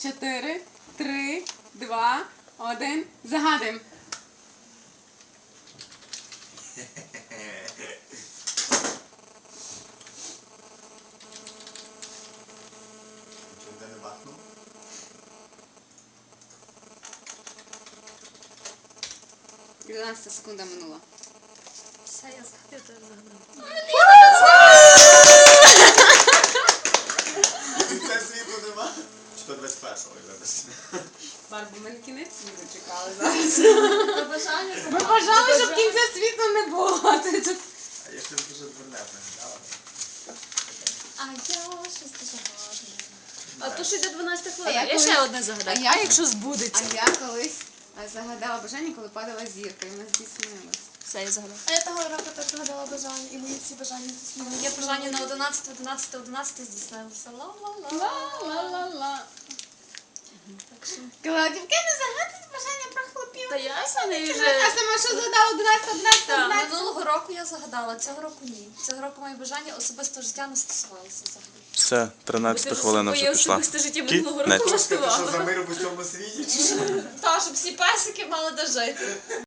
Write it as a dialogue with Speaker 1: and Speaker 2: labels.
Speaker 1: 4, 3, 2, 1. Загадуємо.
Speaker 2: Ніде не бахнув?
Speaker 1: 12 секунда минула.
Speaker 3: Все, я теж загадала.
Speaker 2: Це світу нема? Чи то 21-го, вибачте.
Speaker 1: Барбо, ми на кінець світу чекали зараз.
Speaker 3: Побажання.
Speaker 1: Ми бажали, щоб кінця світу не було. Ти тут-
Speaker 2: А я щось дуже дурне пригадала.
Speaker 3: А я щось дуже гарне. А то що йде 12
Speaker 1: А
Speaker 3: хвилин.
Speaker 1: я
Speaker 3: Я
Speaker 1: колись-
Speaker 3: ще одне загадаю.
Speaker 1: а я-
Speaker 3: якщо збудеться?
Speaker 1: А я колись загадала бажання, коли падала зірка, і вона здійснилась.
Speaker 3: Все, я загадала.
Speaker 4: А я того року так загадала бажання, і мої всі бажання здійснилися.
Speaker 3: Моє бажання на 11 здійснилося. Ла-ла-ла.
Speaker 1: Ла-ла-ла-ла.
Speaker 3: Так що...
Speaker 1: Клаудівки, не загадують бажання про хлопів.
Speaker 3: Та ясно, не
Speaker 1: А
Speaker 3: вже...
Speaker 1: сама що задала 11, 11,
Speaker 3: Так,
Speaker 1: 11?
Speaker 3: минулого року я загадала, цього року ні. Цього року моє бажання особистого життя не стосувалося взагалі.
Speaker 5: Все, 13 хвилина вже
Speaker 3: Моє
Speaker 5: пішла.
Speaker 3: особисте життя минулого року
Speaker 5: Кінець.
Speaker 2: Ти що, за
Speaker 3: влаштувала.
Speaker 2: мир у всьому світі? Чи що?
Speaker 3: Та, щоб всі песики мали де жити.